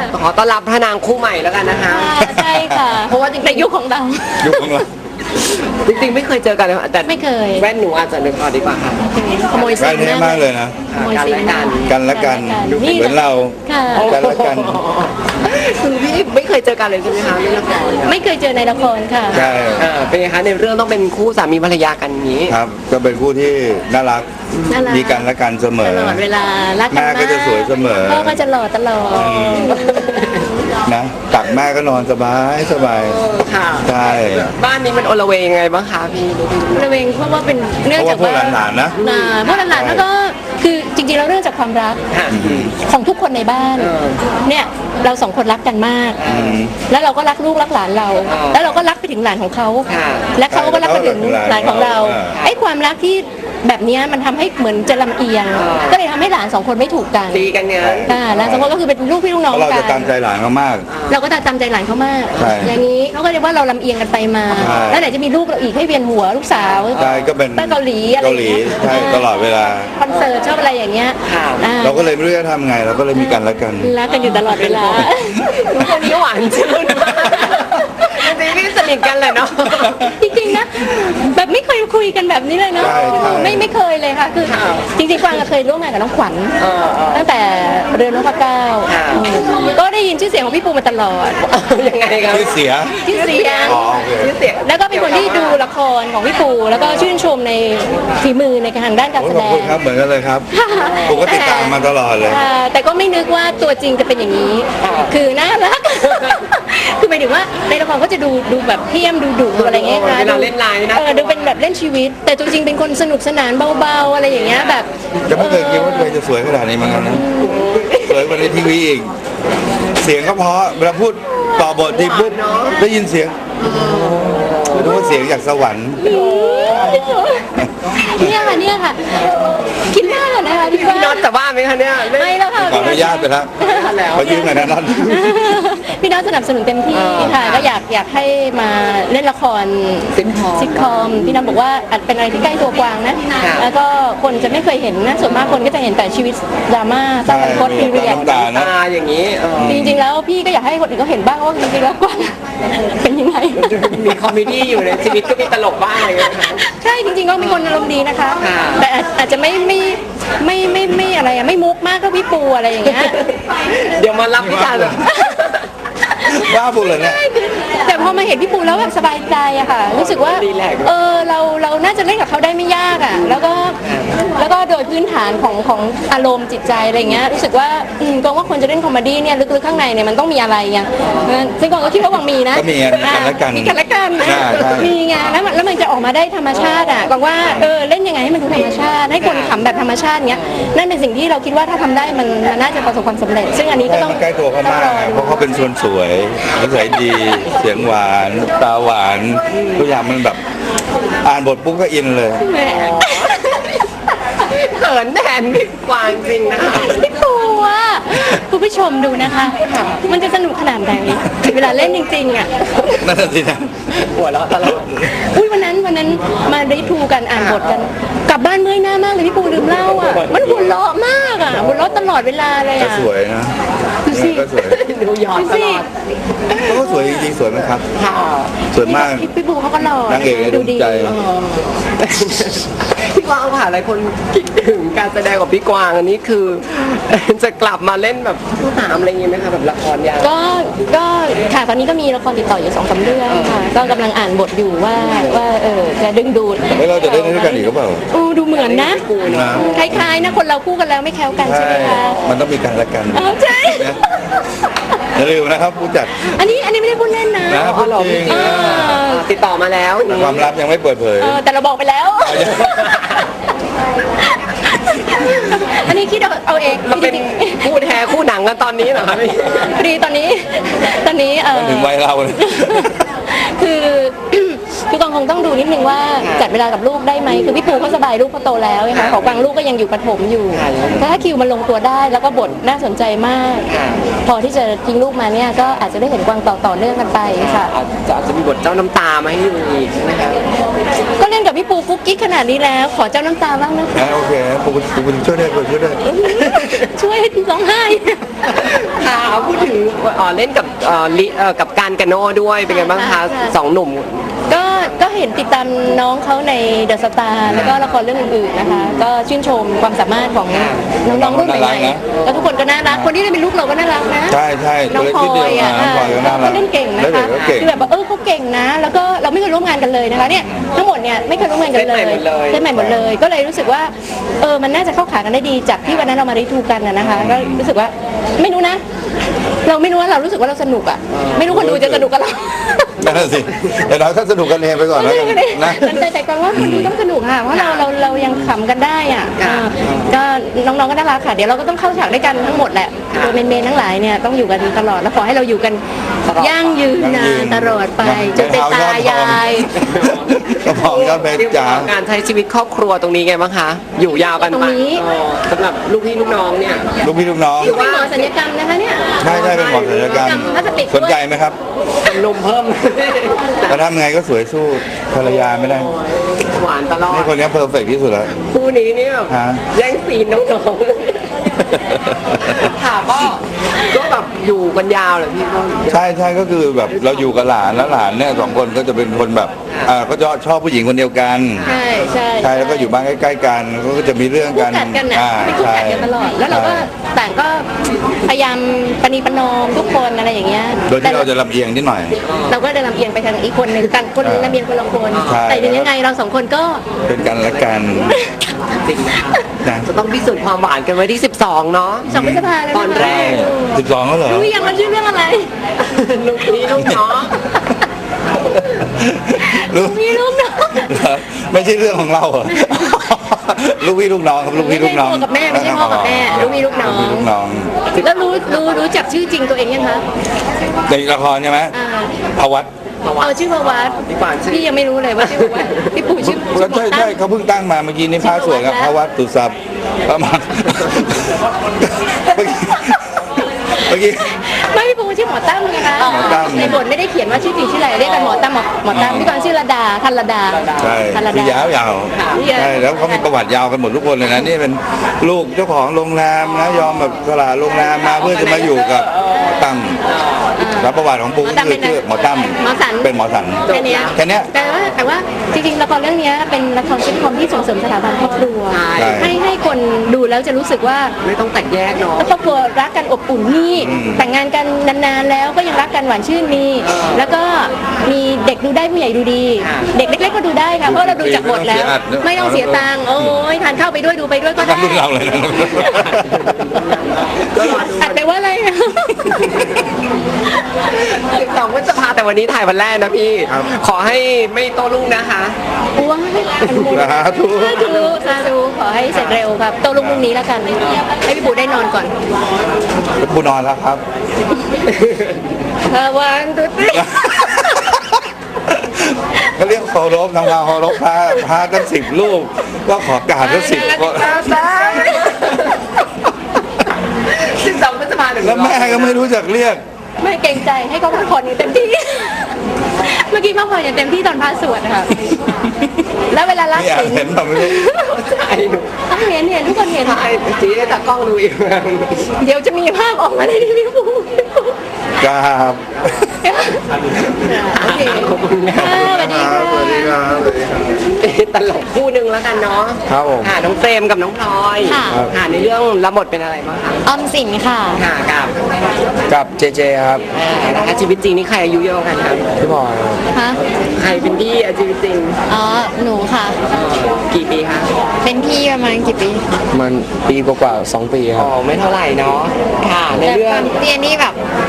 ขอต้อนรับพระนางคู่ใหม่แล้วกันนะคะใช่ค่ะเพราะว่าในยุคของเรายุคของเราจริงๆไม่เคยเจอกันเลยแต่ไม่เคยแว่นหนูอาจจะนึกออกดีกว่าค่ะขโมยใกล้ซิมเท่มากเลยนะขโมยซิมกันและกันนี่เหมือนเราค่ะกันและกันคือพี่ไม่เคยเจอกันเลยใช่ไหมคะในละครเนี่ยไม่เคยเจอในละครค่ะใช่เป็นไงคะในเรื่องต้องเป็นคู่สามีภรรยากันอย่างนี้ครับก็เป็นคู่ที่น่ารักน่ารักมีกันและกันเสมตอลอดเวลารักกันแม่มากก็จะสวยเสมอพ่อก็จะหล่อตลอดนะตักแม่ก็นอนสบายสบายค่ะใช่บ้านนี้มันโอละเวงยังไงบ้างคะพี่ระเวงเพราะว่าเป็นเนื่องจากเพราะว่าพวกหลานๆนะพวกหลานๆแล้วก็คือจริงๆแล้วเรื่องจากความรักค่ะของทุกคนในบ้าน เนี่ยเราสองคนรักกันมาก แล้วเราก็รักลูกรักหลานเรา แล้วเราก็รักไปถึงหลานของเขาค่ะและเขาก็รักไปถึงหลานของเราอ่าไอ้ความรักที่แบบเนี้ยมันทำให้เหมือนจะลำเอียง ก็เลยทำให้หลานสองคนไม่ถูกกันตีกันไงหลานสองคนก็คือเป็นลูกพี่ลูกน้องเพราะเรากัจะตามใจหลานเขามากเราก็ตามใจหลานเขามากใช่อย่างนี้เขาก็เรียกว่าเราลำเอียงกันไปมาใช่แล้วไหนจะมีลูกเราอีกให้เวียนหัวลูกสาวใช่ก็เป็นไปเกาหลีอะไรเกาหลีอย่างเงี้ยใช่ตลอดเวลาคอนเสิร์ตชอบอะไรอย่างเงี้ยค่ะเราก็เลยไม่รู้จะทำไงเราก็เลยมีกันและกันรักกันอยู่ตลอดเวลาทุกคนนี้หวานชื่นมากจริงๆพี่สนิทกันเลยเนาะจริงๆนะแบบไม่เคยคุยกันแบบนี้เลยเนาะใช่ใช่ไม่เคยเลยค่ะคือค่ะจริงๆกวางก็เคยร่วมงานกับน้องขวัญเออตั้งแต่เรือนนพเก้าค่ะก็ได้ยินชื่อเสียงของพี่ปูมาตลอดยังไงครับชื่อเสียชื่อเสียงอ๋อโอเคชื่อเสียงแล้วก็เป็นคนที่ดูละครของพี่ปูแล้วก็ชื่นชมในฝีมือในทางด้านการโอ้แสขอบดคุณงครับเหมือนกันเลยครับปกติดตามมาตลอดเลยแต่ก็ไม่นึกว่าตัวจริงจะเป็นอย่างนี้ คือน่ารัก คือหมายถึงว่าในละครก็จะดูแบบเพี้ยมดูดุอะไรเงี้ยค่ะเวลาเล่นไลน์นะดูเป็นแบบเล่นชีวิต แต่ตัวจริงเป็นคนสนุกสนานเบาๆอะไรอย่างเงี้ยแบบจะไม่เคยคิดว่าตัวเองจะสวยขนาดนี้เหมือนกันนะสวยกว่าในทีวีอีก เสียงก็เพราะเวลาพูดต่อบททีปุ๊บได้ยินเสียงรู้ว่าเสียงจากสวรรค์เนี่ยค่ะคิดมากเลยนะคะพี่พี่น็อตจะว่าไหมคะเนี่ยเล่นไม่แล้วค่ะขออนุญาตไปแล้วขอยืมหน่อยนะนั่นพี่น้องสนับสนุนเต็มที่ค่ะก็อยากให้มาเล่นละคร ซิทคอมพี่น้องบอกว่าอาจเป็นอะไรที่ใกล้ตัวกวางนะ แล้วก็คนจะไม่เคยเห็นนะส่วนมากคนก็จะเห็นแต่ชีวิตดราม่าตั้งแต่โคตรพีเรียดน้ำตานะตาอย่างนี้จริงๆแล้วพี่ก็อยากให้คนอื่นเขาเห็นบ้างว่าจริงๆแล้วกวางเป็นยังไงมีคอมเมดี้อยู่ในชีวิตก็มีตลกบ้างอะไรอย่างเงี้ยค่ะใช่จริงๆก็เป็นคนอารมณ์ดีนะคะค่ะแต่อาจจะไม่อะไรอะไม่มุกมากก็พี่ปูอะไรอย่างเงี้ยเดี๋ยวมารับพิการแบบว่าพูดเลยเนี่ยแต่พอมาเห็นพี่ปูแล้วแบบสบายใจอะค่ะ รู้สึกว่าเราน่าจะเล่นกับเขาได้ไม่ยากอะแล้วก็โดยพื้นฐานของอารมณ์จิตใจอะไรเงี้ยรู้สึกว่าก็ว่าคนจะเล่นคอมเมดี้เนี่ยลึกๆข้างในเนี่ยมันต้องมีอะไรไงซึ่งก็คิดว่าวังมีนะก็มีกันและกันมีกันและกันใช่ใช่มีไงแล้วมันจะออกมาได้ธรรมชาติอะกว่าเล่นยังไงให้มันดูธรรมชาติให้คนขำแบบธรรมชาติเงี้ยนั่นเป็นสิ่งที่เราคิดว่าถ้าทำได้มันน่าจะประสบความสำเร็จ ซึ่งอันนี้ก็ต้องใกล้ตัวเขามากนะเพราะเขาเป็นส่วนสวยนิสัยดี เสียงหวาน ตาหวานทุกอย่างมันแบบ อ่านบทปุ๊บก็อินเลยแหมเขินแทนพี่กวางจริงนะคะพี่ปูอะคุณผู้ชมดูนะคะ มันจะสนุกขนาดไหนเวลาเล่นจริงๆอะนั่นนะสินะหัวเราะตลอดอุ้ยวันนั้นมาได้ทูกันอ่านบทกัน กลับบ้านเมื่อยหน้ามากเลยพี่ปูลืมเล่าอ่ะมันหัวเราะมากอ่ะหัวเราะตลอดเวลาเลยก็อ่ะสวยนะดูสิก็สวยดูหยอดดูตสิลอดเขาก็สวยจริงๆสวยไหมครับค่ะสวยมากพี่ปูเขาก็หล่อนางเอกในดวงใจพี่กวางค่ะหลายคนคิดถึงการแสดงของพี่กวางอันนี้คือ จะกลับมาเล่นแบบผู้หามอะไรอย่างงี้ไหมคะแบบละครยาวก็ค่ะตอนนี้ก็มีละครติดต่ออยู่2-3เรื่องค่ะก็กำลังอ่านบทอยู่ว่าจะดึงดูดเฮ้ยเราจะได้ด้วยกันอีกหรือเปล่าดูเหมือนนะนะคล้ายๆนะคนเราคู่กันแล้วไม่แคล้วกันใช่ไหมคะมันต้องมีกันและกันใช่นะอย่าลืมนะครับผู้จัดอันนี้ไม่ได้พูดเล่นนะนะพูดจริงติดต่อมาแล้วแต่ความลับยังไม่เปิดเผยแต่เราบอกไปแล้ว อันนี้คิดเอาเองมาเป็นคู่แท้คู่หนังกันตอนนี้เหรอคะพี่พอดีตอนนี้มันถึงวัยเราเลยคือกองคงต้องดูนิดนึงว่าจัดเวลากับลูกได้ไหมคือพี่ปูเขาสบายลูกเขาโตแล้วนะคะของบางลูกก็ยังอยู่ประถมอยู่ถ้าคิวมันลงตัวได้แล้วก็บทน่าสนใจมาก พอที่จะทิ้งลูกมาเนี่ยก็อาจจะได้เห็นกวางต่อเนื่องกันไปค่ะอาจจะมีบทเจ้าน้ำตามาให้ดูอีกใช่ไหมคะก็เล่นกับพี่ปูกุ๊กกิ๊กขนาดนี้แล้วขอเจ้าน้ำตาบ้างนะคะโอเคปูช่วยได้ช่วยได้ช่วยร้องไห้ค่ะพูดถึงเล่นกับกับการกาโน่ด้วยเป็นไงบ้างคะค่ะสองหนุ่มก็เห็นติดตามน้องเขาในเดอะสตาร์แล้วก็ละครเรื่องอื่นๆนะคะ ก็ชื่นชมความสามารถของน้องๆรุ่นใหม่ๆแล้วทุกคนก็น่ารักคนที่ได้เป็นลูกเราก็น่ารักนะใช่ใช่น้องตัวเล็กพลนิดเดีอยวยอ่ะน้องพลอยก็น่ารักเขาเล่นเก่งนะแล้วเด็คะกก็เก่งคือแบบว่าเขาเก่งนะ แล้วก็เราไม่เคยร่วมงานกันเลยนะคะเนี่ยทั้งหมดเนี่ยไม่เคยร่วมงานกันเลยเส้นใหม่หมดเลยเส้นใหม่หมดเลย ก็เลยรู้สึกว่ามันน่าจะเข้าขากันได้ดีจากที่วันนั้นเรามาได้ทูกันนะคะก็รู้สึกว่าไม่รู้นะ เราไม่รู้ว่าเรารู้สึกว่าเราสนุกอ่ะไม่รู้คนดูจะสนุกกับเรานั่นนะสิเดี๋ยวเราก็สนุกกันเองไปก่อนแล้วกันนะแต่ก่อนว่าคนดูต้องสนุกค่ะเพราะเรายังขำกันได้อ่ะก็น้องๆก็น่ารักค่ะเดี๋ยวเราก็ต้องเข้าฉากด้วยกันทั้งหมดแหละตัวเมนๆทั้งหลายเนี่ยต้องอยู่กันตลอดแล้วขอให้เราอยู่กันยั่งยืนนานตลอดไปจนเป็นตายายกระพองยอดเพชรจ๋าการใช้ชีวิตครอบครัวตรงนี้ไงบ้างคะอยู่ยาวกันตรงไปนี้สำหรับลูกพี่ลูกน้องเนี่ยลูกพี่ลูกน้องที่เป็นหมอศัลยกรรมนะคะเนี่ยใช่ใช่เป็นหมอศัลยกรรมพลาสติกสนใจไหมครับเป็นนมเพิ่มแต่ทำไงก็สวยสู้ภรรยาไม่ได้หวานตลอดนี่คนนี้เพอร์เฟกที่สุดแล้วคู่นี้เนี่ยฮะแย่งซีนน้องๆค่ะก็แบบอยู่กันยาวเลยพี่ก็ใช่ใช่ก็คือแบบเราอยู่กับหลานแล้วหลานเนี่ยสองคนก็จะเป็นคนแบบก็ชอบผู้หญิงคนเดียวกันใช่ใช่ใช่แล้วก็อยู่บ้านใกล้ๆกันก็จะมีเรื่องคู่กันกัดกันนะอ่าเป็นคู่กัดกันตลอดแล้วเราก็ใช่ต่างก็พยายามปณีประนอมทุกคนอะไรอย่างเงี้ยโดยที่เราจะลำเอียงนิดหน่อยเราก็เดินลำเอียงไปทางอีกคนหนึ่งต่างคนลำเอียงคนละคนใช่แต่ถึงยังไงเราสองคนก็เป็นกันและกันจริงนะคะนะจะต้องพิสูจน์ความหวานกันไว้ที่ 12 เนาะ 2 พฤษภาแล้วตอนแรก 12แล้วเหรอรู้ยังว่าชื่อเรื่องอะไรลูกพี่ลูกน้องลูกมีลูกน้องไม่ใช่เรื่องของเราเหรอ ลูกพี่ลูกน้องครับลูกไม่พี่ลูใช่กน้องพ่อกับแม่ไม่ใช่พ่อกับแม่ลูกมีลูกน้องลูกพี่ลูกน้องแล้วรู้จักชื่อจริงตัวเองยังคะในละครใช่ไหมอ่าพวัตเอาชื่อพวัตพี่ปานชื่อพี่ยังไม่รู้เลยว่าชื่อพวัตพี่ปู่ชื่อก็ใช่ใช่เขาเพิ่งตั้งมาเมื่อกี้นี่พระสวยครับพวัตตุสัพประมาณเมื่อกี้ไม่พี่ปู่ชื่อหมอตั้มไงคะหมอตั้มในบทไม่ได้เขียนว่าชื่อจริงชื่ออะไรเรียกกันหมอตั้มหมอตั้มพี่กวางชื่อระดาทันระดาใช่ทันระคืดาอยาวๆใช่แล้วเขามีประวัติยาวกันหมดทุกคนเลยนะนี่เป็นลูกเจ้าของโรงแรมนะยอมแบบสละโรงแรมมาเพื่อจะมาอยู่กับหมอตั้มแล้วประวัติของปูก็คือชื่อหมอตั้มหมอสันเป็นหมอสันแค่เนี้ยแค่เนี้ยแต่ว่าจริงๆละครเรื่องเนี้ยเป็นละครซิทคอมที่ส่งเสริมสถาบันครอบครัวใช่ให้คนดูแล้วจะรู้สึกว่าไม่ต้องแตกแยกเนาะครอบครัวรักกันอบอุ่นนี่แต่งงานกันนานๆแล้วก็ยังรักกันหวานชื่นมีแล้วก็มีเด็กดูได้ผู้ใหญ่ดูดี เด็กเล็กๆก็ดูได้ค่ะเพราะเราดูจากบทแล้ว ไม่ต้องเสียตังค์โอ้ยทานข้าวไปด้วยดูไปด้วยก็ได้ทำรุ่นเราเลยนะอัดไปว่าอะไร 12 พฤษภาแต่วันนี้ถ่ายวันแรกนะพี่ ขอให้ไม่โตลุ่งนะคะว้าวสาธุสาธุขอให้เสร็จเร็วครับโตลุงพรุ่งนี้แล้วกันให้พี่ปูได้นอนก่อนปูนอนแล้วครับระวังตุ๊ดติ๊ก็เรียกเคารพทำงานเคารพพระตั้ง10 รูปก็ขอกราบตั้ง10 คน 12 พฤษภาถึงแล้วแม่ก็ไม่รู้จักเรียกไม่เกรงใจให้เขาพักผ่อนอย่างเต็มที่ เมื่อกี้พักผ่อนอย่างเต็มที่ตอนพาสวดค่ะแล้วเวลารับไม่อยากศีลเห็นแบบไม่รู้ไอ้หนูเห็นทุกคนเห็นถ่ายจีให้ตากล้องดูอีกเดี๋ยวจะมีภาพออกมาในทีวีปูกราบโอเคสวัสดีค่ะสวัสดีครับตลกคู่หนึ่งแล้วกันเนาะครับผมค่ะน้องเฟรมกับน้องพลอยค่ะค่ะในเรื่องรับบทเป็นอะไรบ้างคะออมสินค่ะค่ะกับกับเจเจครับนะคะชีวิตจริงนี่ใครอายุเยอะกว่ากันครับพี่บอยครับฮะใครเป็นพี่ชีวิตจริงอ๋อหนูค่ะกี่ปีคะเป็นพี่ประมาณกี่ปีมันปีกว่าๆ2 ปีคอ๋รัอบ ไม่เท่าไหร่เนาะค่ะในเรื่องเรียนนี่แบบ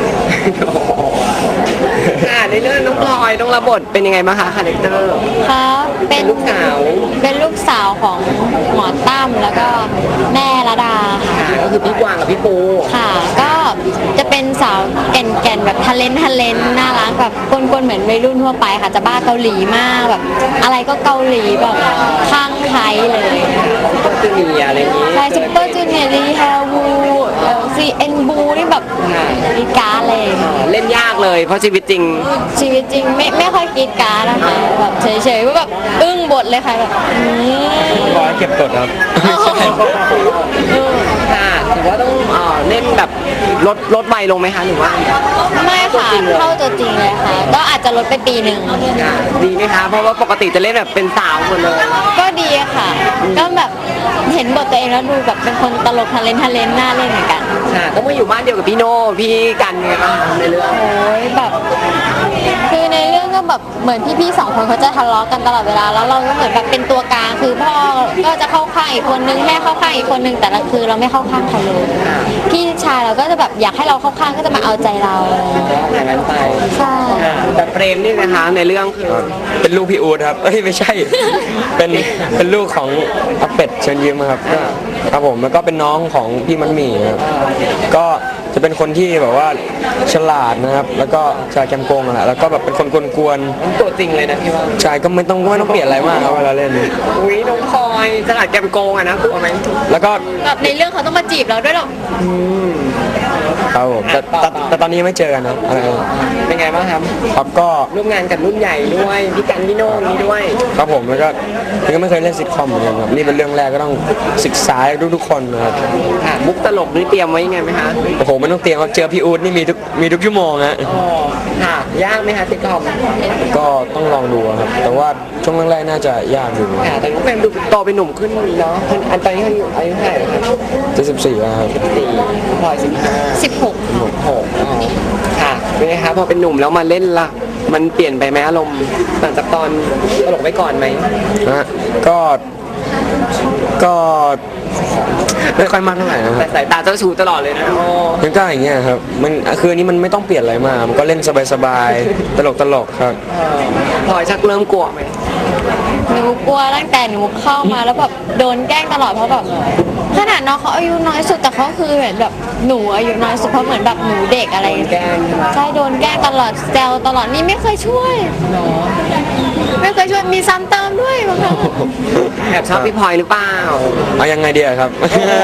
ค่ะในเรื่องน้องพลอยต้องรับบทเป็นยังไงบ้างคะคาแรคเตอร์เขาเป็นลูกสาวเป็นลูกสาวของหมอตั้มแล้วก็แม่ระดาค่ะค่ะก็คือพี่กวางกับพี่ปูค่ะ ก็จะเป็นสาวแก่นๆแบบทะเลนน่ารักแบบกวนๆเหมือนวัยรุ่นทั่วไปค่ะจะบ้าเกาหลีมากแบบ อะไรก็เกาหลีแบบข้างไทยเลยก็จะมีอะไรอย่างนี้ใช่ซุปเปอร์จูเนียร์ลีฮาวูซีเอ็นบูนี่แบบมีการอะไรอย่างเงี้ยเล่นยากเลยเพราะชีวิตจริงชีวิตจริงไม่ค่อยกรีดกรารนะคะแบบเฉยๆว่าแบบอึ้งบทเลยค่ะแบบบอกให้เก็บกดครับค่ะถือว่าต้องเล่นแบบลดวัยลงไหมคะหรือว่าไม่ค่ะเข้าตัวจริงเลยค่ะ ก็อาจจะลดไปปีหนึ่งค่ะดีไหมคะเพราะว่าปกติจะเล่นแบบเป็นสาวหมดเลยก็ดีค่ะ ก็แบบเห็นบทตัวเองแล้วดูแบบเป็นคนตลกทะเลนน่าเล่นเหมือนกันค่ะต้องมาอยู่บ้านเดียวกับพี่โน่พี่กันไงบ้างคะในเรื่องโอ้ยแบบคือในเรื่องก็แบบเหมือนพี่ๆสองคนเขาจะทะเลาะกันตลอดเวลาแล้วเราก็เหมือนแบบเป็นตัวกลางคือพ่อก็จะเข้าข้างอีกคนนึงแม่เข้าข้างอีกคนนึงแต่ละคือเราไม่เข้าข้างใครเลยพี่ชายเราก็จะแบบอยากให้เราเข้าข้างก็จะมาเอาใจเราอย่างนั้นไปใช่แต่เปรมนี่นะคะในเรื่องคือเป็นลูกพี่อูดครับ เอ้ยไม่ใช่ เป็นลูกของอาเป็ดเชิญยิ้มครับก็ครับผมแล้วก็เป็นน้องของพี่มันหมี่ครับก็จะเป็นคนที่แบบว่าฉลาดนะครับ แล้วก็ชายแกมโกงอะแหละแล้วก็แบบเป็นคนกวนตัวจริงเลยนะพี่ว่าๆชายก็ไม่ต้องเปลี่ยนอะไรมากครับเวลาเล่นอุ้ยน้องพลอยตลาดแกมโกงอะนะกลัวไหมแล้วก็แบบในเรื่องเขาต้องมาจีบเราด้วยหรอกครับผมแต่ตอนนี้ยังไม่เจอกันนะอะไรเป็นไงบ้างครับครับก็ร่วมงานกับรุ่นใหญ่ด้วยพี่กันพี่โน่นี้ด้วยครับผมแล้วก็ยังไม่เคยเล่นซิทคอมเหมือนกันครับนี่เป็นเรื่องแรกก็ต้องศึกษาทุกๆคนนะครับค่ะมุกตลกนี่เตรียมไว้ยังไงไหมคะโอ้โหไม่ต้องเตรียมครับเจอพี่อู๊ดนี่มีทุกชั่วโมงฮะอ๋อค่ะยากไหมคะซิทคอมก็ต้องลองดูครับแต่ว่าช่วงแรกๆน่าจะยากอยู่ค่ะแต่น้องเฟรมดูโตเป็นหนุ่มขึ้นเนาะอันตอนนี้เขาอยู่อายุเท่าไหร่คะจะ14แล้วครับ 4พลอย15 16 6ค่ะเป็นไงคะพอเป็นหนุ่มแล้วมาเล่นล่ะมันเปลี่ยนไปไหมอารมณ์หลังจากตอนตลกไว้ก่อนไหมนะฮะก็ไม่ค่อยมากเท่าไหร่นะคแต่รับสายตาเจ้าชู้ตลอดเลยนะโอ้มันก็อย่างเงี้ยครับมันคืออันนี้มันไม่ต้องเปลี่ยนอะไรมากมันก็เล่นสบายๆตลกครับพลอยชักเริ่มกลัวไหมหนูกลัวตั้งแต่หนูเข้ามาแล้วแบบโดนแกล้งตลอดเพราะแบบขนาดน้องเขาอายุน้อยสุดแต่เขาคือเหมือนแบบหนูอายุน้อยสุดเพราะเหมือนแบบหนูเด็กอะไรอย่างแกเงี้ยล้งใช่ไหมใช่โดนแกล้งตลอดแซวตลอดนี่ไม่เคยช่วย ไม่เคยช่วยมีซ้ำเติมด้วยบางครั้งแอบชอบพี่พลอยหรือเปล่าเอายังไงดีอะครับ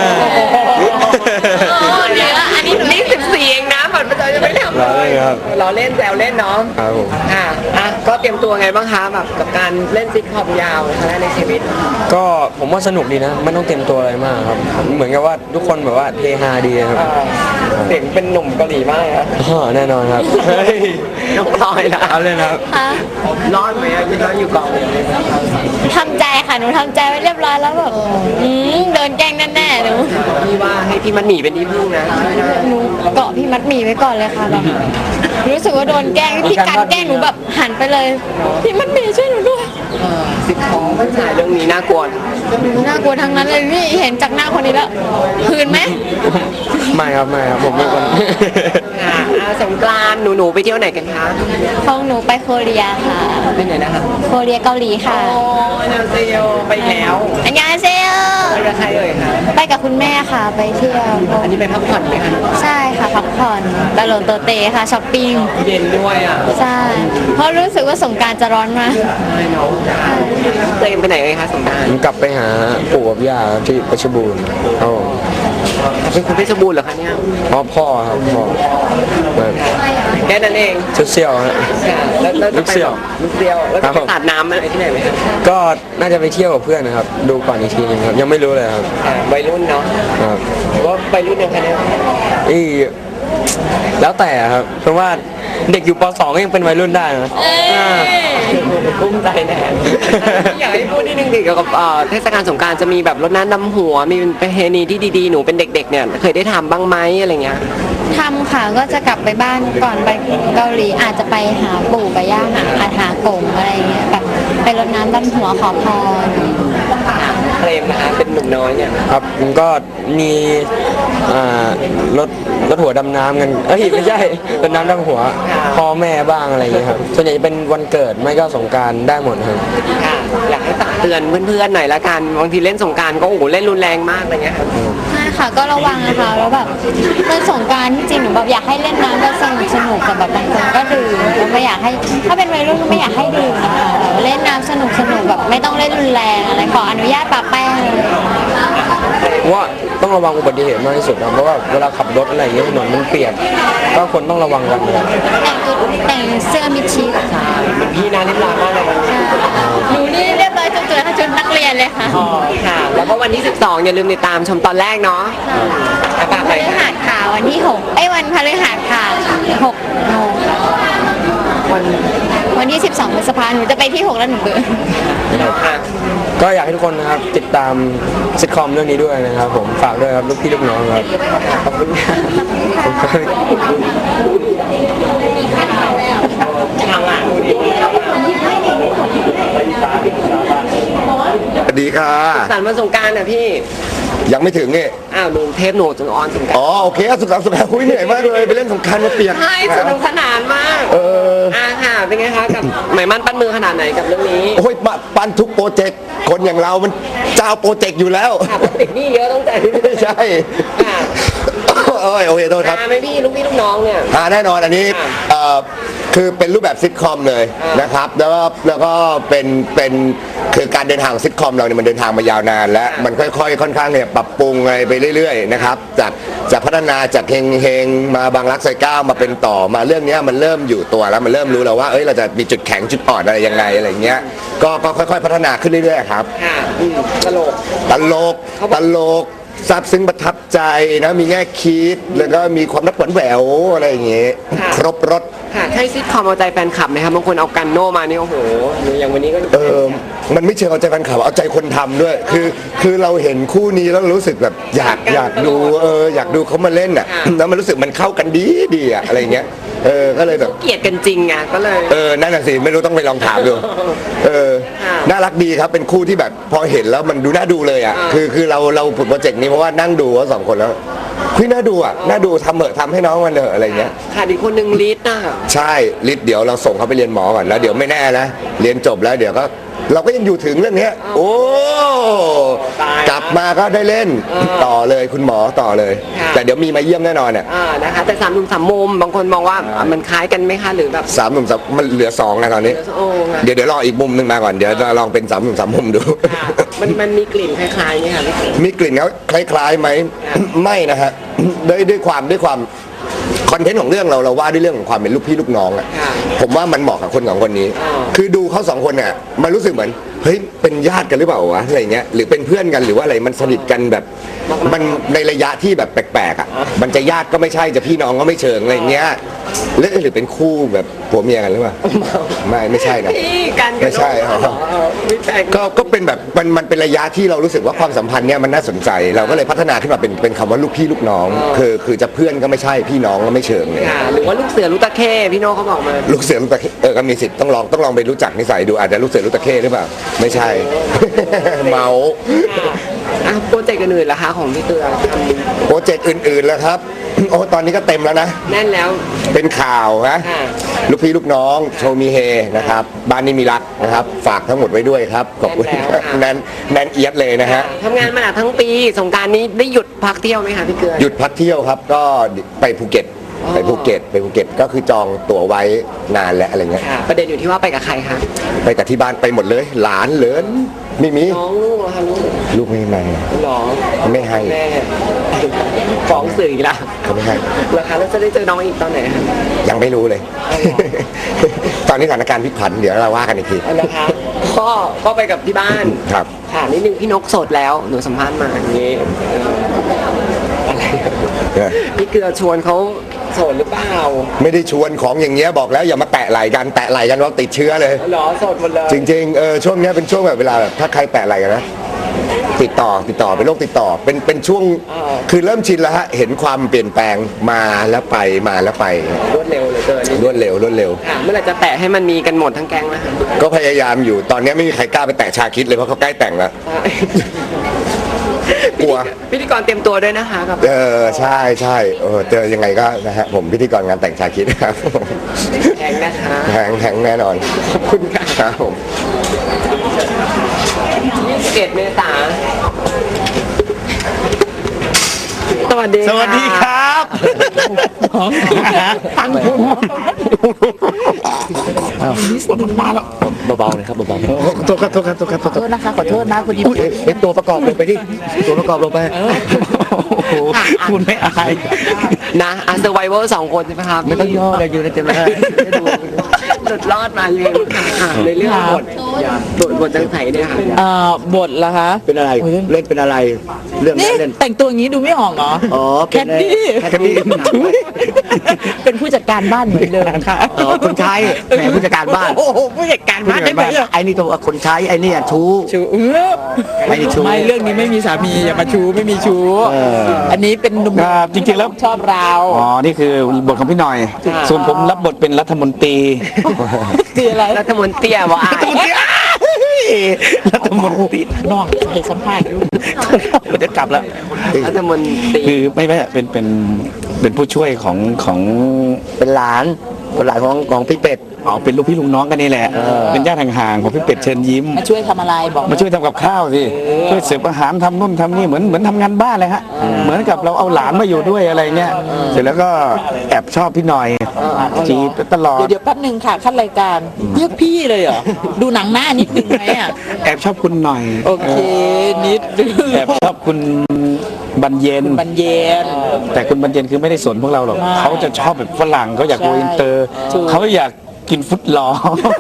เดี๋ยวอันนี้หนูนี่14เองนะบัตรประชาชนไม่ทำล้อเล่นครับเราเล่นแซวเล่นเนาะครับผมค่ะอ่ะก็เตรียมตัวไงบ้างคะแบบกับการเล่นซิทคอมยาวครั้งแรกในชีวิตก็ผมว่าสนุกดีนะไม่ต้องเตรียมตัวอะไรมากครับเหมือนกับว่าทุกคนแบบว่าเฮฮาดีครับเสียงเป็นหนุ่มเกาหลีมากครับอ๋อแน่นอนครับเฮ้ยน้องพลอยนะเอาเลยนะครับค่ะรอดไหมอะคิดว่าอยู่กองนี้ทำใจค่ะหนูทำใจไว้เรียบร้อยแล้วแบบโดนแกล้งแน่ๆหนูพี่ว่าให้พี่มันหนีเป็นที่พึ่งนะหนูเกาะพี่มัดหมี่ไว้ก่อนเลยค่ะแบบรู้สึกว่าโดนแกล้งพี่การแกล้งหนูแบบหันไปเลยพี่มัดหมี่ช่วยหนูด้วยซิทคอมไม่ถ่ายเรื่องนี้น่ากลัวนะน่ากลัวทั้งนั้นเลยพี่เห็นจากหน้าคนนี้แล้วคืนไหมไม่ครับผมเป็นคนค่ะสงกรานต์หนูไปเที่ยวไหนกันคะของหนูไปโคเรียค่ะไปไหนนะคะโคเรียเกาหลีค่ะโอ้ยนาเซลไปแล้วอันยาเซลไปกับใครเอ่ยคะไปกับคุณแม่ค่ะไปเที่ยวอันนี้ไปพักผ่อนไหมคะใช่ค่ะพักผ่อนตะโลนโตเตค่ะช้อปปิ้งเย็นด้วยอ่ะใช่เพราะรู้สึกว่าสงกรารจะร้อนมากใช่เนาะเตมไปไหนเอ่ยคะสงกรานผมกลับไปหาปู่กับย่าที่เพชรบูรณ์ครับผมเป็นคนเพชรบูรณ์เหรอคะเนี่ยพ่อครับพ่อแบบแค่นั้นเองเซี่ยวๆฮะค่ะแล้วจะไปลูกเสี่ยวลูกเสี่ยวแล้วครัจะบไปผมสาดน้ำอะไรที่ไหนไหมคะก็น่าจะไปเที่ยวกับเพื่อนนะครับ ดูก่อนอีกทีนึงครับ ยังไม่รู้เลยครับวัยรุ่นเนาะครับหรือว่าวัยรุ่นยังคะเนี่ยอีแล้วแต่ครับ เพราะว่าเด็กอยู่ป .2 ก็ยังเป็นวัยรุ่นได้นะอ่ากุ้มใจแน่อยากให้พูดนิดนึงเกี่ยวกับเทศกาลสงกรารจะมีแบบรดน้ำดำหัวมีประเพณีที่ดีๆหนูเป็นเด็กๆเนี่ยเคยได้ทำบ้างไหมอะไรเงี้ยทำค่ะก็จะกลับไปบ้านก่อนไปเกาหลีอาจจะไปหาปู่ไปย่าหากงอะไรเงี้ยแบบไปรดน้ำดำหัวขอพรเคลมนะคะเป็นหนุ่มน้อยเนี่ยครับผมก็มีรถหัวดำน้ำกันเอ้ยไม่ใช่รถน้ำดำหัวพ่อแม่บ้างอะไรอย่างเงี้ยครับส่วนใหญ่จะเป็นวันเกิดไม่ก็สงกรารได้หมดครับค่ะอยากให้ตักเตือนเพื่อนๆหน่อยละกันบางทีเล่นสงกรารก็โอ้โหเล่นรุนแรงมากอะไรเงี้ยค่ะใช่ค่ะก็ระวังนะคะแล้วแบบเล่นสงกรารที่จริงหนูแบบอยากให้เล่นน้ำแบบสนุกแต่แบบบางคนก็ดื่มก็ไม่อยากให้ถ้าเป็นวัยรุ่นก็ไม่อยากให้ดื่มนะคะเล่นน้ำสนุกแบบไม่ต้องเล่นรุนแรงอะไรขออนุญาตปะแป้งว่าต้องระวังอุบัติเหตุมากที่สุดครับเพราะว่าเวลาขับรถอะไรอย่างเงี้ยถนนมันเปียกก็คนต้องระวังกันนะครับแต่งเสื้อมิดชิดเป็นพี่นะเรียบร้อยมากเลยนะหนูนี่เรียบร้อยจนตัวชุดนักเรียนเลยค่ะอ๋อค่ะ แล้วก็วันที่ 12 อย่าลืมติดตามชมตอนแรกเนาะฝากหพน่อยฤค่ะหัสค่ะวันที่6วันพฤหัสค่ะ6 โมงค่ะ วันที่ 12 พฤษภาคมหนูจะไปที่ 6 แล้วหนูเบื่อค่ะก็อยากให้ทุกคนนะครับติดตามซิทคอมเรื่องนี้ด้วยนะครับผมฝากด้วยครับลูกพี่ลูกน้องครับขอบคุณครับทางอ่ะสวัสดีค่ะสันต์วันสงกรารน่ะพี่ยังไม่ถึงนี่อ้าวหนูเทปหนูจนออนสงกรารอ๋อโอเคสุขสันต์สงกรานต์คุยเหนื่อยมากเลยไปเล่นสงกรานต์มาเปียกใช่สนุกสนานมากเออค่ะ เป็นไงคะกับหมายมั่นปั้นมือขนาดไหนกับเรื่องนี้โอ้ยปั้นทุกโปรเจกต์คนอย่างเรามันเจ้าโปรเจกต์อยู่แล้วค่ะเพราะติดหนี้เยอะตั้งแต่ที่ใช่ค่ะโอ้ยโอเคโทษครับไหมพี่ลูกพี่ลูกน้องเนี่ยแน่นอนอันนี้ค่ะคือเป็นรูปแบบซิทคอมเลยอ่านนะครับแล้วก็เป็นคือการเดินทางของซิทคอมเราเนี่ยมันเดินทางมายาวนาน แล้วอ่ามัมันค่อยๆค่อนข้างเนี่ยปรับปรุงอะไรไปเรื่อยๆนะครับจากพัฒนาจากเฮงๆมาบางรักซอยเก้ามาเป็นต่อมาเรื่องเนี้ยมันเริ่มอยู่ตัวแล้วมันเริ่มรู้แล้วว่าเอ้ยเราจะมีจุดแข็งจุดอ่อนอะไรยังไงอะไรเงี้ยก็ค่อยๆพัฒนาขึ้นเรื่อยๆครับค่ะตลกตลกซาบซึ้งประทับใจนะมีแง่คิดแล้วก็มีความรักหวานแหววอะไรอย่างเงี้ยค่ะครบรถค่ะใช่ซิทคอมเอาใจแฟนคลับไหมครับบางคนเอากันโนมานี่โอ้โหอย่างวันนี้ก็มันไม่เชิงเอาใจแฟนคลับเอาใจคนทำด้วย คือเราเห็นคู่นี้แล้วเรารู้สึกแบบอยากดูอยากดูเขามาเล่นอ่ะแล้วมันรู้สึกมันเข้ากันดีอ่ะอะไรเงี้ยก็เลยแบบเกลียดกันจริงไงก็เลยนั่นน่ะสิไม่รู้ต้องไปลองถามดูน่ารักดีครับเป็นคู่ที่แบบพอเห็นแล้วมันดูน่าดูเลยอ่ะคือเราผุดโปรเจกต์นี้เพราะว่านั่งดูว่าสองคนแล้วคุยน่าดูอ่ะน่าดูทำเหอะทำให้น้องมันเถอะอะไรเงี้ยค่ะอีกคนหนึ่งลิศน่ะใช่ลิศเดี๋ยวเราส่งเขาไปเรียนหมอก่อนแล้วเดี๋ยวไม่แน่นะเรียนจบแล้วเดี๋ยวก็เราก็ยังอยู่ถึงเรื่องเนี้ยโอ้กลับมาก็ได้เล่นต่อเลยคุณหมอต่อเลย แต่เดี๋ยวมีมาเยี่ยมแน่นอนเนี่ยนะคะแต่สามหนุ่มสามมุมบางคนมองว่ามันคล้ายกันไหมคะหรือแบบสามหนุ่มสามมันเหลือสองนะตอนนี้โอ้ค่ะเดี๋ยวรออีกมุมหนึ่งมาก่อนเดี๋ยวจะลองเป็นสามหนุ่มสามมุมดูค่ะมันมีกลิ่นคล้ายๆไหมคะพี่เก๋มีกลิ่นเขาคล้ายๆไหม ไม่นะฮะด้วยความคอนเทนต์ของเรื่องเราว่าด้วยเรื่องของความเป็นลูกพี่ลูกน้องอ่ะผมว่ามันเหมาะกับคนสองคนนี้ คือดูเขาสองคนเนี่ยมันรู้สึกเหมือนเฮ้ยเป็นญาติกันหรือเปล่าวะอะไรเงี้ยหรือเป็นเพื่อนกันหรือว่าอะไรมันสนิทกันแบบมันในระยะที่แบบแปลกๆอ่ะมันจะญาติก็ไม่ใช่จะพี่น้องก็ไม่เชิงอะไรเงี้ยหรือเป็นคู่แบบผัวเมียกันหรือเปล่าไม่ใช่นะพี่กันไม่ใช่ไม่แปลกก็เป็นแบบมันเป็นระยะที่เรารู้สึกว่าความสัมพันธ์เนี่ยมันน่าสนใจ เราก็เลยพัฒนาขึ้นมาเป็นคำว่าลูกพี่ลูกน้อง คือจะเพื่อนก็ไม่ใช่พี่น้องก็ไม่เชิงเลยค่ะหรือว่าลูกเสือลูกตะเข้พี่โน่เขาบอกมาลูกเสือลูกตะเข้ก็มีสิทธิ์ต้องลองไปรู้จักนิสัยดูอาจจะลูกเสือลูกตะเข้หรือเปล่าไม่ใช่ เมาโปรเจกต์อื่นๆล่ะคะของพี่เตือทโปรเจกต์อื่นๆแล้วครับ โอ้ตอนนี้ก็เต็มแล้วนะำแน่นแล้วเป็นข่าวนะค่ะลูกพี่ลูกน้องโชว์มีเฮนะครับบ้านนี้มีรักนะครับฝากทั้งหมดไว้ด้วยครับขอบคุณแน่นแล้วค่ะแน่นเอียดเลยนะฮะทำงานมาทั้งปีสงกรารนี้ได้หยุดพักเที่ยวไหมคะพี่เกลือหยุดพักเที่ยวครับก็ไปภูเก็ตไปภูเก็ตก็คือจองตั๋วไว้นานแล้วอะไรเงี้ยค่ะ ประเด็นอยู่ที่ว่าไปกับใครคะไปกับที่บ้านไปหมดเลย หลานเหลินไม่มีน้องลูกเหรอคะลูกลูกไม่ให้มาหรอไม่ให้แม่ฟ้องสื่ออีกแล้วเขาไม่ให้แล้วคะแล้วจะได้เจอน้องอีกตอนไหนคะยังไม่รู้เลยอ๋อเหรอตอนนี้สถานการณ์พลิกผันเดี๋ยวเราว่ากันอีกทีนะคะก็ไปกับที่บ้านครับค่ะนิดนึงพี่นกโสดแล้วหนูสัมภาษณ์มาอย่างนี้อะไรพี่เกลือชวนเขาโสดหรือเปล่าไม่ได้ชวนของอย่างเงี้ยบอกแล้วอย่ามาแตะไหล่กันว่าติดเชื้อเลยหรอโสดหมดเลยจริงๆช่วงเนี้ยเป็นช่วงแบบเวลาแบบถ้าใครแตะไหล่กันนะติดต่อเป็นโรคติดต่อเป็นช่วงคือเริ่มชินแล้วฮะเห็นความเปลี่ยนแปลงมาแล้วไปมาแล้วไปรวดเร็วเหลยเกินรวดเร็วค่ะเมื่อไหร่จะแตะให้มันมีกันหมดทั้งแก๊งนะคะก็พยายามอยู่ตอนนี้ไม่มีใครกล้าไปแตะชาคิดเลยเพราะเขาใกล้แต่งแล้ว กลัวพิธีกรเตรียมตัวด้วยนะคะกับใช่เจอยังไงก็นะฮะผมพิธีกรงานแต่งชาคิดครับแข่งนะคะแข็งแน่นอนขอบคุณค่ะครับผม 21 เมษายนสวัสดีสวัสดีครับตั้งคุณเบาๆเลยครับเบาๆโทษครับขอโทษนะคะขอโทษนะพอดีเป็นตัวประกอบลงไปดิตัวประกอบลงไปคุณไม่อายนะเซอร์ไวเวอร์2 คนใช่ไหมครับไม่ต้องย่อเลยอยู่ในเต็มเลยหลุดรอดมายังไงลูกค่ะในเรื่องบทจังไสเนี่ยค่ะบทละคะเป็นอะไรโอ้ยเล่นเป็นอะไร เรื่องนี่เล่นแต่งตัวอย่างนี้ดูไม่ออกเหรออ๋อแคดดี้แคดดี้เป็นผู้จัดการบ้านเหมือนเดิมค่ะอ๋อคนใช้แหมผู้จัดการบ้านโอ้โหผู้จัดการบ้านได้ไหมอะไอ้นี่ตัวคนใช้ไอ้นี่ชู้ชูไม่ได้ชู้ไม่เรื่องนี้ไม่มีสามีอย่ามาชูไม่มีชู อันนี้เป็นหนุ่มครับจริงๆแล้วชอบเราอ๋อ นี่คือบทของพี่หน่อย ส่วนผมรับบทเป็นรัฐมนตรีคืออะไรรัฐมนตรีบอกอ่ะรัฐมนตรีน้องให้สัมภาษณ์อยู่ผมจะกลับแล้วรัฐมนตรีคือไม่เป็นผู้ช่วยของเป็นหลานของพี่เป็ดอ๋อเป็นลูกพี่ลูกน้องกันนี่แหละ เป็นญาติห่างๆของพี่เป็ดเชิญยิ้มมาช่วยทำอะไรบอกมาช่วยทำกับข้าวสิช่วยเสิร์ฟอาหารทำนู่นทำนี่เหมือนทำงานบ้านเลยฮะเหมือนกับเราเอาหลานมาอยู่ด้วยอะไรเงี้ยเสร็จแล้วก็แอบชอบพี่หน่อยจีบตลอดเดี๋ยวแป๊บหนึ่งค่ะขั้นรายการเรียกพี่เลยเหรอดูหนังหน้านิดนึงไหมอ่ะแอบชอบคุณหน่อยโอเคนิดนึงแอบชอบคุณบรรเย็นบรรเย็นแต่คุณบรรเย็นคือไม่ได้สนพวกเราหรอกไม่เขาจะชอบแบบฝรั่งเขาอยากใช่โกอินเตอร์ถูกเขาอยากกินฟุตลอ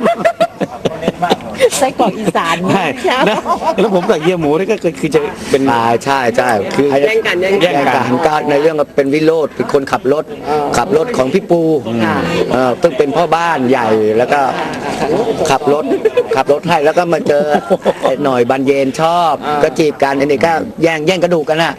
ไส้กรอกอีสานใช่แล้วผมกับเฮียหมูนี่ก็คือจะเป็นใช่คือแย่งกันแย่งแย่งกันกันการในเรื่องก็เป็นวิโรธเป็นคนขับรถของพี่ปูซึ่งเป็นพ่อบ้านใหญ่แล้วก็ขับรถให้แล้วก็มาเจอไอ้หน่อยบันเย็นชอบ ก็จีบกันไอ้นี่ก็แย่งกระดูกกันน่ะ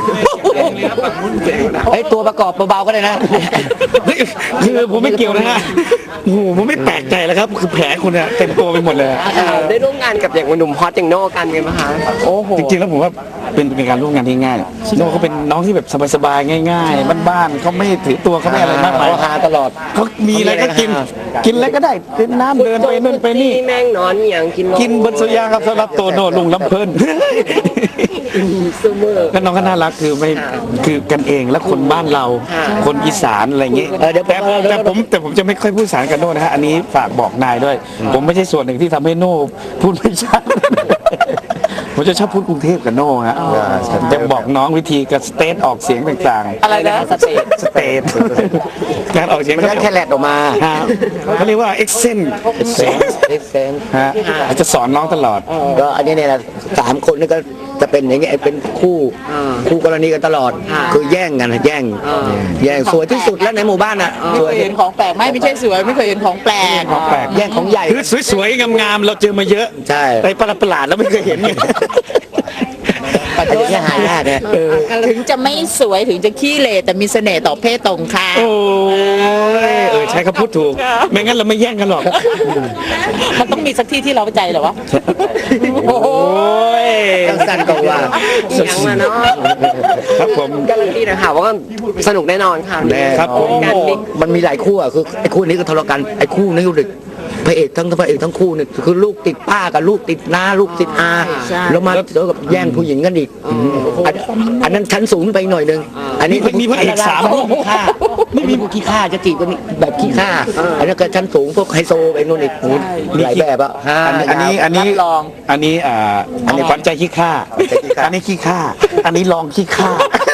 ไอ้ยตัวประกอบเบาๆก็ได้นะคือผมไม่เกี่ยวนะฮะโอ้โหผมไม่แปลกใจแล้วครับ คือแผลคุณเนี่ยเต็มตัวไปหมดเลยได้ร่วมงานกับอย่างหนุ่มฮอตอย่างโน่กันไงไหมคะโอ้โหจริงๆแล้วผมว่าเป็นการร่วมงานที่ง่ายโน่เขาเป็นน้องที่แบบสบายๆง่ายๆบ้านๆเขาไม่ถือตัวเขาไม่อะไรมากมายเขาหาตลอดเขามีอะไรก็กินอะไรก็ได้กินน้ำเดินไปนู่นไปนี่แม่งนอนอย่างกินกินบนโซยาครับสำหรับโตโน่ลุงลำเพิ่นซูเมอร์ก็น้องก็น่ารักคือไม่คือกันเองและคนบ้านเรา คนอีสานอะไรอย่างงี้เดี๋ยวแต่ผมจะไม่ค่อยพูดสารกันโน่นะฮะอันนี้ฝากบอกนายด้วย ผมไม่ใช่ส่วนหนึ่งที่ทำให้โน่พูดไม่ชัด ผมจะชอบพูดกรุงเทพกับโน่ฮะจะบอกน้องวิธีการสเตทออกเสียงต่างๆอะไรนะสเตจสเตทการออกเสียงมันได้แค่แลดออกมาฮะเขาเรียกว่าเอ็กเซนเซนฮะจะสอนน้องตลอดก็อันนี้เนี่ยนะ3 คนนี่ก็จะเป็นอย่างเงี้ยเป็นคู่กรณีกันตลอด คือแย่งกันนะแย่งสวยที่สุดแล้วในหมู่บ้านอ่ะไม่สเควยยเห็นของแปลกไม่ใช่สวยไม่เคยเห็นของแปลกของแปลกแย่งของใหญ่คือสวยๆงามๆเราเจอมาเยอะใช่แต่ประหลาดๆแล้วไม่เคยเห็นไงปัจจุบันนี้หายากเนี่ยถึงจะไม่สวยถึงจะขี้เหร่แต่มีเสน่ห์ต่อเพศตรงข้ามโอ้ยใช้คำพูดถูก ไม่งั้นเราไม่แย่งกันหรอกมันต้องมีสักที่ที่เราใจเหรอวะโอ้ยต้องสั้นกว่าอีกอย่างมาเนาะครับผมการันตีนะคะว่าสนุกแน่นอนค่ะครับผมการมิกมันมีหลายคู่อ่ะคือไอ้คู่นี้ก็ทะเลาะกันไอ้คู่นี้ก็เด็กพระเอกทั้งคู่เนี่ยคือลูกติดป้ากับลูกติดน้าลูกติดอาแล้วมาเจอกับแย่งผู้หญิงกันอีกอันนั้นชั้นสูงไปหน่อยนึงอันนี้มีพระเอก3 พวกขี้ข้าไม่มีพวกขี้ข้าจะจีบกันแบบขี้ข้าอันนั้นก็ชั้นสูงพวกไฮโซไปนู่นอีกหลายแบบอ่ะอันนี้อันนี้ขวัญใจขี้ข้าอันนี้ขี้ข้าอันนี้ลองขี้ข้า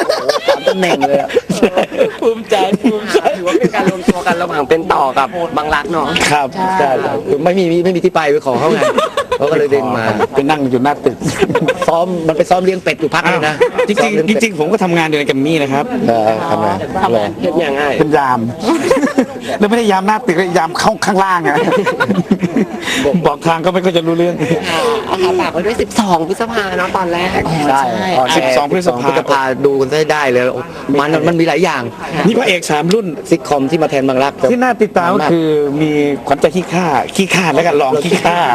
3 ตำแหน่งเลยอ่ะภูมิใจภูมิใจถือว่าเป็นการรวมตัวกันระหว่างเป็นต่อกับบางรักเนาะครับใช่คือไม่มีที่ไปขอเขาไงเขาก็เลยดึงมาไปนั่งอยู่หน้าตึกมันไปซ้อมเลี้ยงเป็ดอยู่พักเลยนะจริงๆผมก็ทำงานอยู่ในแกรมมี่นะครับทำไงเห็นอย่างไงเป็นยาม แล้วไม่ได้ยามหน้าตึกเลยยามเข้าข้างล่างอะบอกทางก็ไม่ค่อยจะรู้เรื่องค่ะฝากไว้ด้วย 12 พฤษภาเนาะตอนแรกใช่ 12 พฤษภาดูกันได้เลยมันมีหลายอย่างนี่พระเอก3 รุ่นซิทคอมที่มาแทนบางรักที่น่าติดตามก็คือมีขวัญใจขี้ข้าแล้วก็ลองขี้ข้า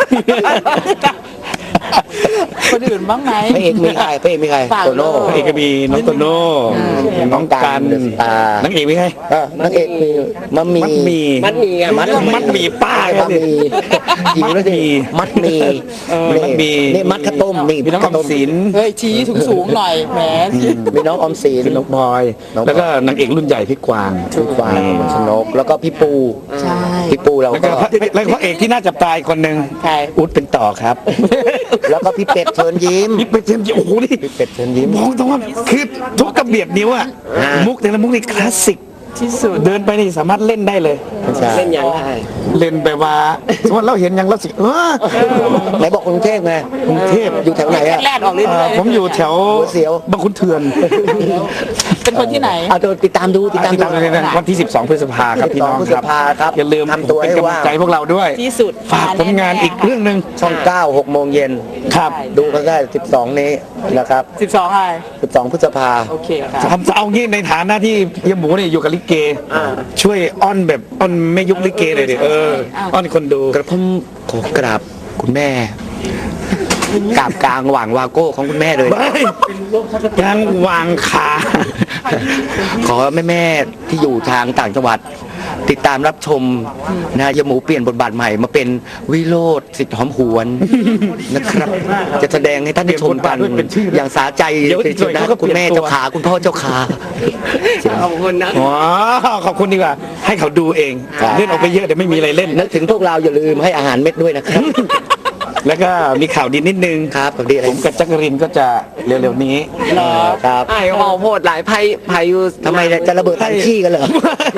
คนอื่นบ้างไหมพระเอกมีใครฝากโตโน่พระเอกก็มีน้องโตโน่น้องกัน นางเอกมีใครนางเอกมีมัดมีมัดหมีมัดหมี่อะมัดหมีป้ามัดมีหญิงแล้วสิมัดมีมัดหมี่นี่มัดข้าวต้มนี่มีน้องออมสินเฮ้ยชี้สูงๆหน่อยแหมมีน้องออมสินน้องบอย แล้วก็นางเอกรุ่นใหญ่พี่กวางพี่กวางชนกแล้วก็พี่ปูใช่พี่ปูเราแล้วก็ก็พระเอกที่น่าจับตายคนหนึ่งใครอุ๊ดเป็นต่อครับแล้วก็พี่เป็ดเชิญยิ้มนี่เป็นเจมส์โอ้โหนี่พี่เป็ดเชิญยิ้มมองตรงว่าคือทุกกระเบียดนิ้วอะอ่ามุมุกแต่ละมุกนี่คลาสสิกที่สุดเดินไปนี่สามารถเล่นได้เลยใช่เล่นยังไงเล่นแบบว่าสมมติเราเห็นอย่างเราสิไหนบอกกรุงเทพไงกรุงเทพอยู่แถวไหนอะแรดออกเรื่อยๆผมอยู่แถวหัวเสียวบางขุนเทียนเป็นคนที่ไหนเอาเดี๋ยวติดตามดูติดตามติดดูตามเลยนะวันที่ 12 พฤษภาครับพี่น้อง 12พฤคษรับภาครับอย่าลืมทำตัวให้เป็นกำลัว่างใจพวกเราด้วยที่สุดฝากผลงานอีกเรื่องหนึ่งช่อง9 6 โมงเย็นครับดูกันได้ 12 นี้นะครับ 12อะไร 12 พฤษภาโอเคค่ะทำเอางี้ในฐานะที่เฮียหมูเนี่ยอยู่กับลิเกช่วยอ้อนแบบอ้อนไม่ยุคลิเกเลยดิอ้อนคนดูกระผมขอกราบคุณแม่กราบกลางหว่างวาโก้ของคุณแม่เลยยังวางขาขอแม่ๆที่อยู่ทางต่างจังหวัด ติดตามรับชมนะยายหมูเปลี่ยนบทบาทใหม่มาเป็นวิโรธสิทธิ์หอมหวนนะครับ จะแสดงให้ท่านได้ชมกันอย่างสาใจนะคุณแม่เจ้าขาคุณพ่อเจ้าขาขอบคุณนะอ๋อขอบคุณดีกว่า ให้เขาดูเองครับเล่นออกไปเยอะเดี๋ยวไม่มีอะไรเล่นนึกถึงพวกเราอย่าลืมให้อาหารเม็ดด้วยนะครับแล้วก็มีข่าวดีนิดนึงครับกับดีอะไรผมกับจักรินก็จะเร็วๆนี้ครับไอ้หอโพดหลายไพ่อยู่ทำไมจะระเบิดถังขี้กันเหรอ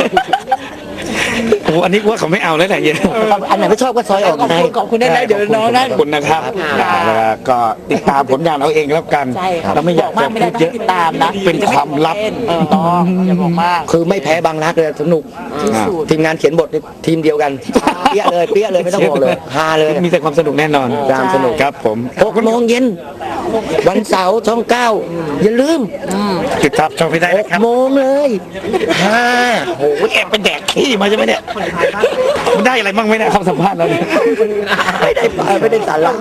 โอ้อันนี้ว่าเขาไม่เอาแล้วแหละเฮียอันไหนไม่ชอบก็ซอยออกไงขอบคุณได้เลยเดี๋ยวน้องได้ขอบคุณนะครับแล้วก็ติดตามผลงานเอาเองแล้วกันใช่ครับเราไม่อยากบอกจะมากไม่ได้พูดต้เยองอะติดตามนะเป็นความลับต้องอย่าบอกมากคือไม่แพ้บางรักเลยสนุกที่สุดทีมงานเขียนบทนี่ทีมเดียวกัน เปี้ยเลยไม่ต้องบอกเลยฮาเลยมีแต่ความสนุกแน่นอนตามสนุกครับผม 6 โมงเย็น วันเสาร์ช่อง 9 อย่าลืมติดตามชมไม่ได้นะครับ 6 โมงเลยฮ่าโอ้โหแอบไปแดกขี้มาใช่ไหมเนี่ยมันได้อะไรบ้างไหมเนี่ยคำสัมภาษณ์เราเนี่ยไม่ได้สาระ